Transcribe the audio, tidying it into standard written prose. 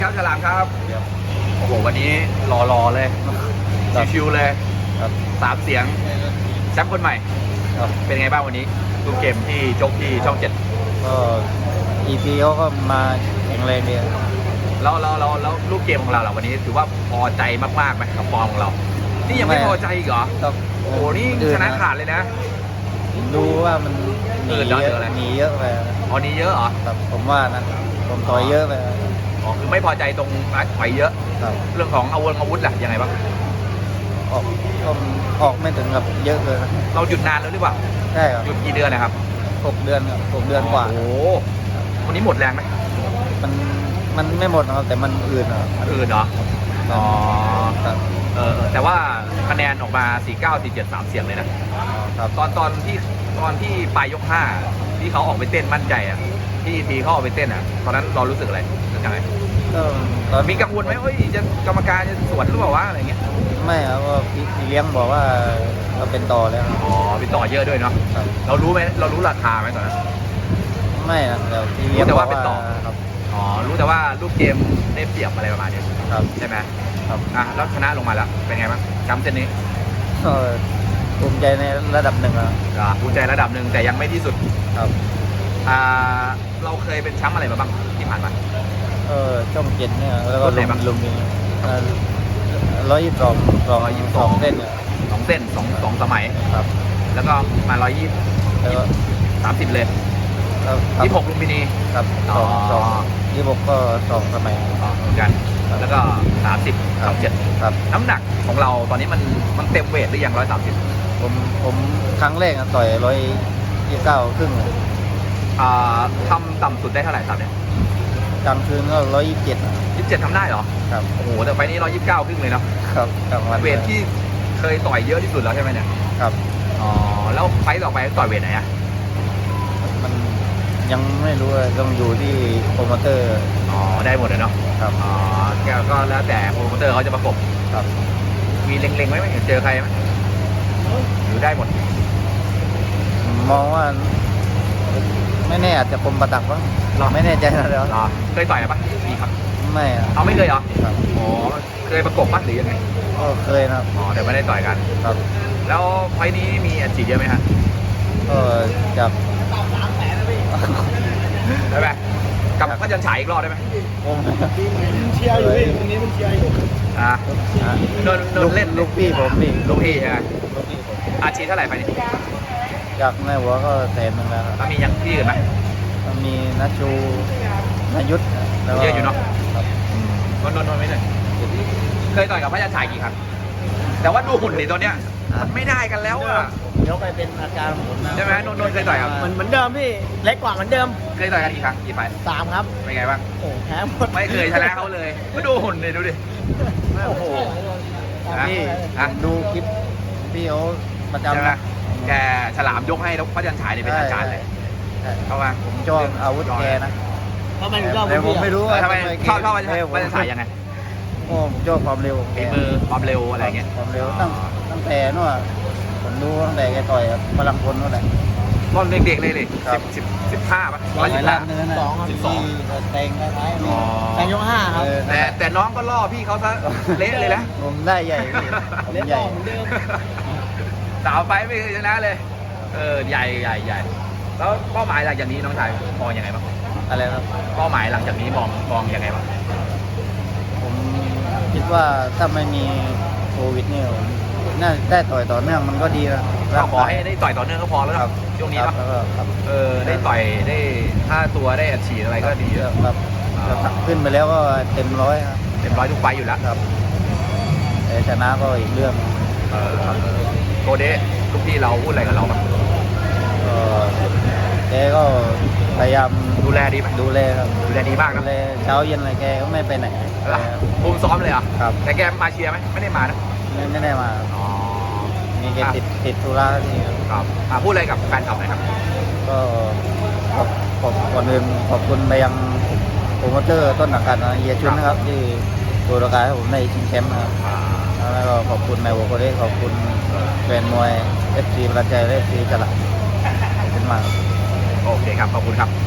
ครับฉลามครับครับโอ้โหวันนี้รอเลยชิวๆเลยครับ 3 เสียงแชมป์คนใหม่ครับเป็นไงบ้างวันนี้ดูเกมที่จบที่ช่อง 7 ก็ EP เขาก็มาแข็งแรงดีครับแล้วลูกเกมของเราวันนี้ถือว่าพอใจมากๆไหมกับฟอร์มของเรา นี่ยังไม่พอใจอีกเหรอครับโอ้โหนี่ชนะขาดเลยนะดูว่ามันหนีเออเยเดี๋ยวอะไรอะหนีเยอะไปอ๋อนี้เยอะเหรอครับผมว่านะผมต่อยเยอะไปอ๋อคือไม่พอใจตรงถอยเยอะครับเรื่องของอาวุธล่ะยังไงบ้างออกก็ออกไม่ถึงกับเยอะเลยนะเราหยุดนานแล้วหรือเปล่าใช่ครับหยุดกี่เดือนนะครับ 6 เดือนครับ6 เดือนกว่าโอ้โหวันนี้หมดแรงไหมมันไม่หมดนะครับแต่มันอื่นครับอื่นเหรออ๋อครับแต่ว่าคะแนนออกมา 49 47 3 เสียงเลยนะครับตอนที่ปลายยก 5 ที่เขาออกไปเต้นมั่นใจอ่ะที่ทีเขาออกไปเต้นอ่ะตอนนั้นเรารู้สึกอะไรยังไงก็ตอนมีกังวลไหมเฮ้ยจะกรรมการจะสวนหรือเปล่าวะอะไรเงี้ยไม่ครับว่าพี่เลี้ยงบอกว่าเราเป็นต่อแล้วครับอ๋อไปต่อเยอะด้วยเนาะครับเรารู้ไหมเรารู้ราคาไหมตอนนั้นไม่นะแต่พี่เลี้ยงรู้แต่บว่าอกเป็นต่อครับอ๋อรู้แต่ว่าลูกเกมได้เปรียบอะไรประมาณนี้ครับใช่ไหมครับอ่ะแล้วชนะลงมาแล้วเป็นไงบ้างจำเส้นนี้ก็ภูมิใจในระดับหนึ่งครับภูมิใจระดับหนึ่งแต่ยังไม่ที่สุดครับเราเคยเป็นแชมป์อะไรมาบ้างที่ผ่านมาช่อง7เนี่ยแล้วก็รุ่นไหนบ้างลุมนี้122เส้นเนี่ย 2 เส้นสองสมัยครับแล้วก็มา120 แล้วก็ 30 เลยแล้ว 26ลุมพินีครับอ๋อสอง26ก็2 สมัยเหมือนกันครับแล้วก็30 ครับ 27 ครับน้ำหนักของเราตอนนี้มันเต็มเวทหรือยัง130 ผมครั้งแรกอะต่อย129ครึ่งเลยทำต่ำสุดได้เท่าไหร่ครับเนี่ยกลางคืนก็127 27ทำได้เหรอครับโอ้โหแต่ไฟล์นี้129ครึ่งเลยเนาะครับกลางวันเวทที่เคยต่อยเยอะที่สุดแล้วใช่ไหมเนี่ยครับอ๋อแล้วไฟล์ต่อไปต่อยเวทไหนอะมันยังไม่รู้เลยต้องอยู่ที่โปรโมเตอร์อ๋อได้หมดเลยเนาะครับอ๋อก็แล้วแต่โปรโมเตอร์เขาจะประกบครับมีเล็งๆไว้ไหมเจอใครไหมหรือได้หมดมองว่าไม่แน่อาจจะคมประตักบ้างหรอไม่แน่ใจนะเดี๋ยวเหรอเคยต่อยปะมีครับไม่อะเอาไม่เคยเหรอครับอ๋อเคยประกบปะหรือยังไงก็เคยนะครับอ๋อแต่ไม่ได้ต่อยกันครับแล้วไฟล์นี้มีอัดฉีดเยอะไหมฮะก็จับได้ไหมกับพระจันทร์ฉายอีกรอบได้ไหมผมเชียร์อยู่พี่ตรงนี้มันเชียร์อยู่อ่ะนนเล่นลูกพี่ผมนี่ลูกพี่ใช่ไหมลูกพี่ผมอัดฉีดเท่าไหร่ไฟล์นี้จากในหัวก็100,000แล้วครับแล้วมียังที่อื่นไหมก็มีนัชชูนายุทธแล้วก็เยอะอยู่เนอะครับนไม่เลยเคยต่อยกับพระจันทร์ฉายกี่ครั้งแต่ว่าดูหุ่นดิตอนเนี้ยมันไม่ได้กันแล้วอ่ะยกไปเป็นอาการผมนะใช่ไหมนนท์เคยต่อยกับเหมือนเดิมพี่ เล็กกว่าเหมือนเดิมเคยต่อยกันกี่ครั้งกี่ไฟล์ 3 ครับเป็นไงบ้างโอ้แพ้หมดไม่เคยชนะเขาเลยมาดูหุ่นเลยดูดิ โอ้โหพี่อ่ะดูคลิปพี่เขาประจำใช่ไหมนะแกฉลามยกให้แล้วพระจันทร์ฉายเนี่ยเป็นอาจารย์เลยใช่เข้ามาผมชอบอาวุธแกนะทำไมถึงชอบแต่ผมไม่รู้ว่าทำไมชอบพระแกจันทร์ฉายยังไงผมชอบความเร็วของแกฝีมือความเร็วอะไรเงี้ยความเร็วตั้งแต่นู่นอะผมดูตั้งแต่แกต่อยกับพลังพลนู่นแหละตอนเด็กๆเลยดิครับ 15ป่ะร้อย 115 ล้านเนื้อนะ 2ครับที่แตงคล้ายๆอ๋อแข่งยก 5 ครับแต่น้องก็ล่อพี่เขาซะเละเลยนะผมได้ใหญ่พี่ผมเล็กใหญ่กว่าเหมือนเดิมสาวไปไม่เคยชนะเลย ใหญ่แล้วเป้าหมายหลังจากนี้น้องชายมองยังไงบ้างอะไรครับเป้าหมายหลังจากนี้มองยังไงบ้างผมคิดว่าถ้าไม่มีโควิดนี่ผมน่าได้ต่อยต่อเนื่องมันก็ดีนะก็ขอให้ได้ต่อยต่อเนื่องก็พอแล้วคครัรับบช่วงนี้คครัรับบ แล้วก็ครับได้ต่อยได้ค่าตัวได้อัดฉีดอะไรก็ดีครับแล้วขึ้นไปแล้วก็เต็มร้อยครับเต็มร้อยทุกไฟต์อยู่แล้วครับแต่ชนะก็อีกเรื่องครับโกเดะลูกพี่เราพูดอะไรกับเราบ้างก็แกก็พยายามดูแลดีไหมดูแลครับดูแลดีมากดูนะแลเช้าเย็นอะไรแกก็ไม่ไปไหนภูมิซ้อมเลยเหรอครับแต่แกมาเชียร์ไหมไม่ได้มานะไม่ได้มาอ๋อมีแกติดธุระที่ครับครับพูดอะไรกับแฟนคลับหน่อยครับก็ก่อนอื่นขอบคุณไปยังโปรโมเตอร์ต้นสังกัดนะเฮียชุนนะครับ ที่ตัวรายให้ผมได้ชิงแชมป์นะครับแล้วก็ขอบคุณนายหัวโคเดขอบคุณแฟนมวย FC ประจัยและ FC จระขอบคุณมากโอเคครับขอบคุณครับ